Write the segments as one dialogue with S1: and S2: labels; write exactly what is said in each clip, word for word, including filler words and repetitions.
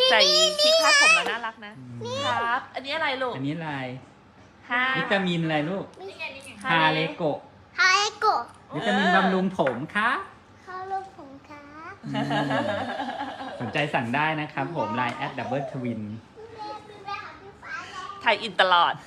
S1: ใส่ที่คาดผมแล้วน่ารักนะครับอันนี้อะไรลูก
S2: อันนี้อะไร
S1: ฮา
S2: วิตามินอะไรลูกฮาเลโกะ
S3: ฮาเอโกะ
S2: วิตามินบำรุงผมค่ะ
S3: ฮาลูกผมค่ะ
S2: สนใจสั่งได้นะครับผม ไลน์ แอท ดับเบิลทวิน
S1: ถ่ายอินตลอด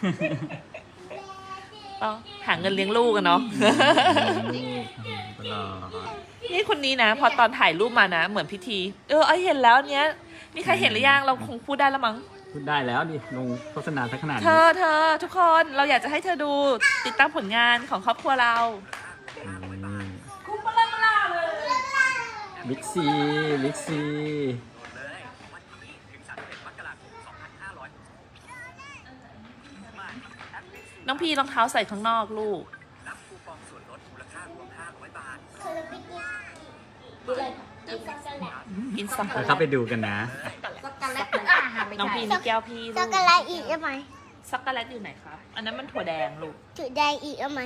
S1: ต้องหาเงินเลี้ยงลูกกันเนาะ
S2: ตลอด
S1: นี่คนนี้นะ พอตอนถ่ายรูปมานะ เหมือนพิธี เออไอเห็นแล้วเนี้ยมีใครเห็นหรือยังเราคงพูดได้แล้วมั้ง
S2: พูดได้แล้วดิ ลงโฆษณาสักขนาด
S1: เธ
S2: นี้
S1: อเธอทุกคนเราอยากจะให้เธอดูติดตามผลงานของครอบครัวเราคุ้มล่าล่าเลย
S2: บิ๊กซี บิ๊กซี
S1: น้องพี่รองเท้าใส่ข้างนอกลูกกินสัก
S2: เราเข้าไปดูกันนะ
S3: ช็อกโกแลตเหมือนอาหารไม่
S1: น้อง
S3: ใช่
S1: พี่นี่แก้วพี่
S3: ช็อกโกแลตอีกได้ไหม
S1: ช็อกโกแลตอยู่ไหนครับอันนั้นมันถั่วแดงลูก
S3: ถือได้อีกได้ไหม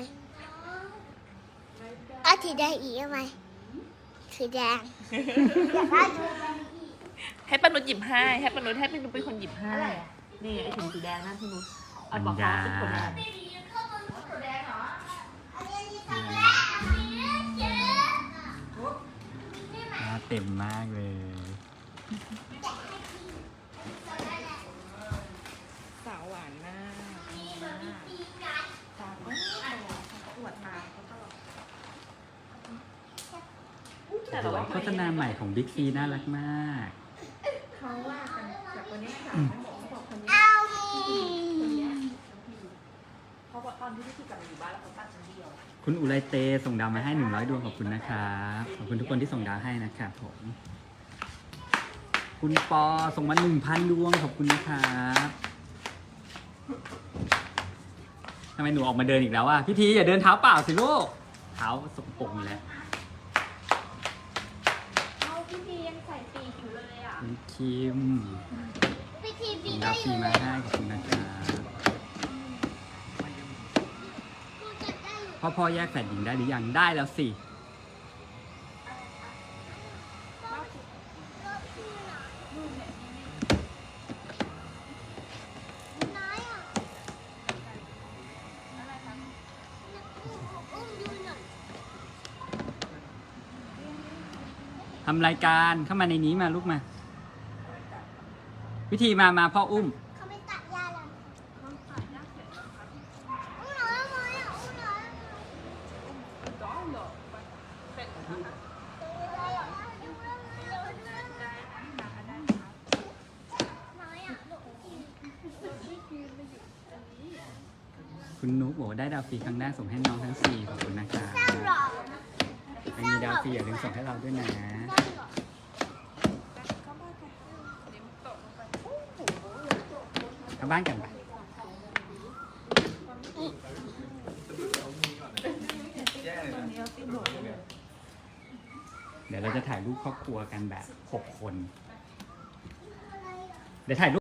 S3: อ่ะถือได้อีกได้ไหมถือแดงอยากได้ถือแดงอีก
S1: ให้ปานุชหยิบให้ให้ปานุชให้ปานุชเป็นคนหยิบให้นี่ไอถุงสีแดงนั่นพี่นุชเอาบอกเขาเป็นถั่วแดง
S2: หน้าเต็มมากเลย
S1: สาวหวานมากสาวก็อวดมาเขาตลอดแต่เราว่า
S2: โฆษณาใหม่ของบิ๊กซีน่ารักมาก
S1: เขาว่ากันจากคนนี้ค่ะเขาบอกคนนี้
S3: เอา
S1: เพราะว่าตอนที่พี่กลับมาอยู่บ้านแล้วเขาตัดชั้นเดียว
S2: คุณอุไรเตส่งดาวมาให้หนึ่งร้อยดวงขอบคุณนะครับ ขอบคุณทุกคนที่ส่งดาวให้นะครับผม คุณปอส่งมาหนึ่งพันดวงขอบคุณนะครับทำไมหนูออกมาเดินอีกแล้วอ่ะพี่ทีอย่าเดินเท้าเปล่าสิลูก เท้าสกปรกอยู่แล้ว
S1: เอาพี่พียังใส่ปีกอยู่เลยอ่ะ
S2: คุณคิม
S3: พิธีบี
S2: ส่ง
S3: ได้
S2: ดาว
S3: อ
S2: ฟรี
S3: ยู่เล
S2: มาย ให้ขอบคุณนะครับพ่อพ่อแยกแฝดหญิงได้หรือยังได้แล้วสิ
S3: น้อยอ่ะอุ้มดูหน่อย
S2: ทำรายการเข้ามาในนี้มาลูกมา วิธีมามาพ่ออุ้ม
S3: เขาไม่ตัดยาเลยอุ้มหน่อยทำไมอ่ะอุ้มหน่อย
S2: คุณนุ๊กบอกว่าได้ดาวฟรีครั้งแรกส่งให้น้องทั้งสี่ขอบคุณนะครับ
S3: สร้างหรอ
S2: ใครมีดาวฟรีอย่าลืมส่งให้เราด้วยนะเข้าบ้านกันไปเดี๋ยวเราจะถ่ายรูปครอบครัวกันแบบหกคน เดี๋ยวถ่ายรูป